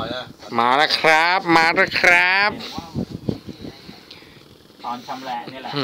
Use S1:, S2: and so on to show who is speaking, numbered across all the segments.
S1: ร่อยนะ
S2: มาแล้วครับมาแล้วครับ
S3: ตอนชำแหละนี่แหละ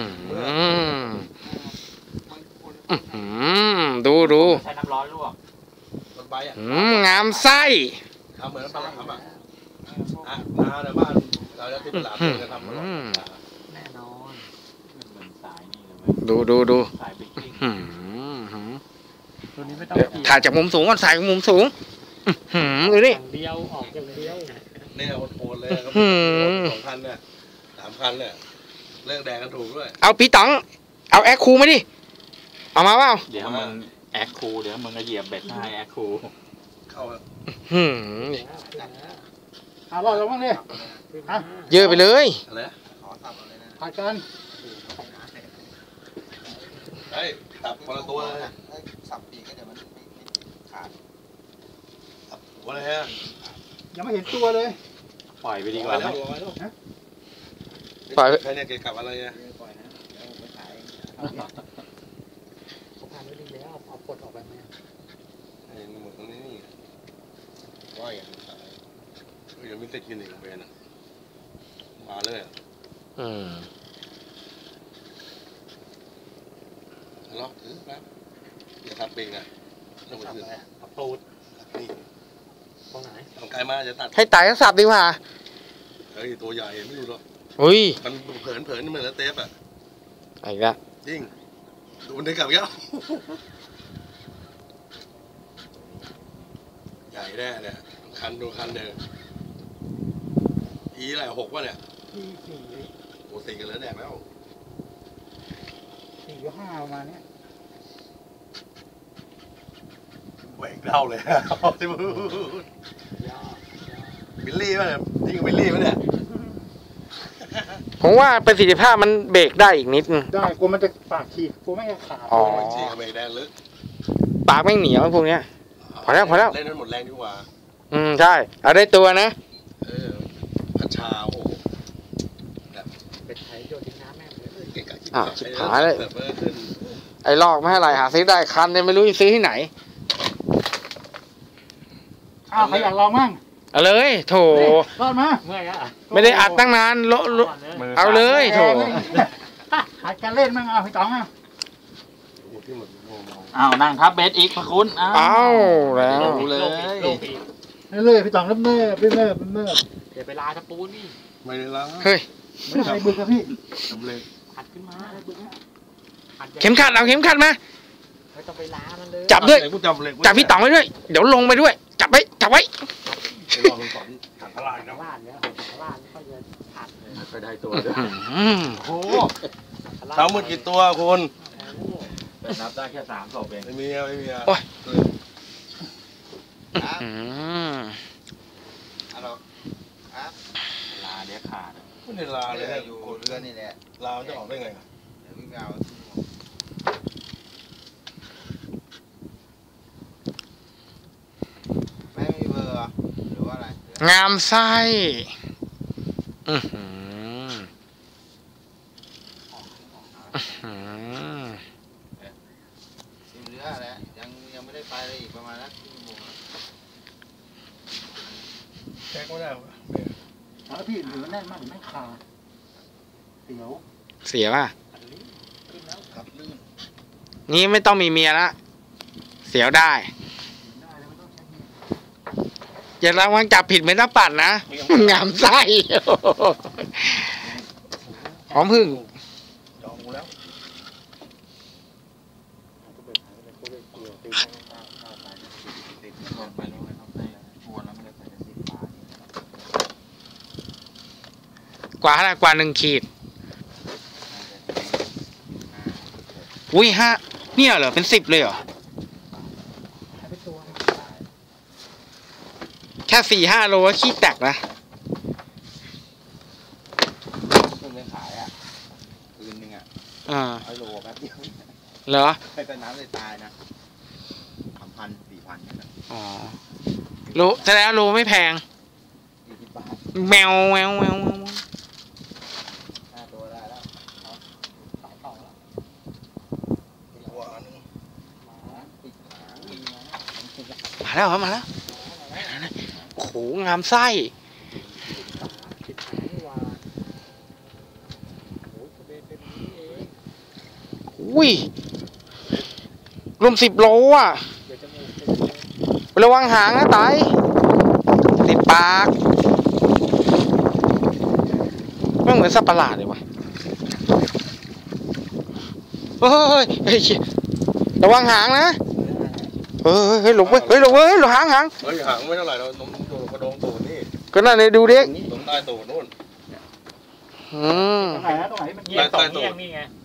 S2: ดู
S3: ใช้น้ำร้อนลวก
S2: งามไส้
S1: ทำเหมือนปลาทำนาในบ้านเราจะติดหลาบเลยจะทำอร่อย
S3: แน่นอนเหมือนสายนี่
S2: เลยดู
S3: สายบิ๊กกิ้ง
S2: ตัวนี้ไม่ต้องถ่ายจากมุมสูงก่อนถ่ายจากมุมสูงดูดิ
S3: เดียวออกอย่างเดียว
S1: เนี่ยโอนเลยครับ2,000เนี่ย3,000เนี่ยเลิกแดงกันถูกด้วย
S2: เอาพี่ต๋องเอาแอคคูมาดิเอามาเปล่า
S3: เดี๋ยวมึงแอคคูเดี๋ยวมึงก็เหยียบเบ็ดให้แอคคู
S1: เข้า
S4: เอาลองบ้างดิ
S2: เยอะไปเลย
S1: อะไร
S4: ผัดกัน
S1: เฮ้ยตับคนละตัวเลย
S5: สับปีก็เดี๋ยวมันขาด
S1: หัวอะไรฮะ
S4: ยังไม่เห็นตัวเลย
S3: ปล่อยไปดีกว่า
S1: แล้ว
S2: ปล่อย
S1: ใครเนี่ยเกี่ยวกับอะไรเนี่ย
S5: ปล่อยนะเดี๋ยวไปขาย
S4: เขาผ่านไม่ดีแล้วเอาปลดออกไปไหม
S1: ไอ้หมดตรงนี้นี่ว่าอย่างยังไม่ติดกินอีกเบนอ่ะมาเลยล็อกถือครับอย่าทับปีกนะต้องไปถือ
S3: ทับตูด
S1: นี่
S3: ตรงไหน
S1: ทางไกลมาจะตัด
S2: ให้ตายก็สับดีกว่า
S1: เฮ้ยตัวใหญ่ไม่รู้หรอก
S2: อุ้ย
S1: มันเผินเหมือนแล้วเทปอ่ะ
S2: ไอ้ละ
S1: จริงดูมันได้กลับแล้วใหญ่แน่เนี่ยคันดูคันเดิมอีอะไร6วะเนี่ยโอ้4กันแล้วแดงแล้ว
S4: 4 หรือ 5ประมาณนี้
S1: แหวกเล่าเลยที่พูดบิลลี่ป่ะเนี่ยจริงบิลลี่ป่ะเนี่ย
S2: ผมว่าประสิทธิภาพมันเบรกได้อีกนิด
S4: ได้กลัวมันจะปากฉีกกลัวไม่จะขาด
S2: อ๋อ
S1: ฉีกเบรกแดงลึก
S2: ปากไม่เหนียวพวกเนี้ยพอแล้ว
S1: เล่นนั้นหมดแรงดีกว่า
S2: ใช่เอาได้ตัวนะ
S1: พัชชาโอ้
S4: เป็นไทยโยนทิ้งน้ำแม่เลย
S2: ชิบหายเลยไอ้ลอกไม่ให้ไรหาซื้อได้คันเนี่ยไม่รู้จะซื้อที่ไหน
S4: ใครอยากลองมั่ง
S2: เอาเลยโถ
S4: รอดมา
S2: ไม่ได้อัดตั้งนานเอาเลยโถ
S4: หัดการเล่นมั่งพี่ต๋อง
S3: นั่งทับเบสอีกพระคุณ
S2: เอาแล้ว
S4: เลยพี่ต๋องเริ่มเ
S3: ดี๋ยวไปลาตะปูนี่
S1: ไม่ได้ลา
S2: เฮ้ย
S4: ไม่ได้บึกครับพี่
S1: ทำเลย
S3: หัดขึ้นมา
S2: เข็มขัดเอาเข็มขัดมา
S3: ไม่ต้องไปลามันเลย
S2: จับด้วยจับพี่ต๋องไว้ด้วยเดี๋ยวลงไปด้วยจับไว้
S1: ลองสอนถังพลานนะ
S3: พลานเนี่ยพลานก็จะหัดไปได้ตัวด้วย
S1: โอ้ทั้งหมดกี่ตัวคุณ
S3: นับได้แค่3 ศพเอง
S1: ไม่มี
S2: โอ้ย
S3: ลาเดี๋ยวขาด
S1: ไม่ได้ลาเลย
S5: อยู่เรือนี่แหละ
S1: ลาจะออกได้ไง
S5: เดี๋ยววิ่งเอาไม่มีเบอร์หรือว่าอะไร
S2: งามไส้
S5: เรือแหละยังไม่ได้ไปเลยอีกประมาณนักชั่วโมง
S1: แจ็คไม่ได้
S4: แล้วพี่หรือแน่นมากหรือไม่ขาด
S2: เสียป่ะนี่ไม่ต้องมีเมียละเสียวได้อย่าระวังจับผิดเหมือนน้ำปั่นนะงามไส้หอมพึ่ง
S1: จองกูแล้ว
S2: กว่า1 ขีดอุ้ย5เนี่ยเหรอเป็น10เลยเหรอแค่4-5 โลก็ขี้แตกนะ
S5: คุณไปขายคืนนึง100 โลแป๊บเดียว
S2: เหรอ
S5: ไปเป็นน้ำเลยตายนะ3,000-4,000เนี่ย
S2: อ๋อโลแสดงโลไม่แพงแมว
S5: ตัวได้แล้ว
S2: มาแล้วโอ้โหงามไส้
S4: ติดหางนี่ว่าโอ้ยทะเบนเป็นนี้เอง
S2: อุ้ยรวม10 โลอ่ะ
S4: เดี๋ยวจมูกเป็นเลย
S2: ระวังหางนะไตติดปากไม่เหมือนสัตว์ประหลาดเลยวะเฮ้ยเฮ้ยระวังหางนะเฮ้ยหลบเว้ยเฮ้ยหลบเว้ยหลบหาง
S1: เฮ้ยหางไม่เท่าไหร่เรานมโดนกระดองตูดนี่
S2: ก็นั่นเลยดูดิ
S1: ตรงใต้ตูดนู่น
S2: อืม
S4: ตรงไหนนะตรงไหนมันเงียบสองเงียบนี่ไง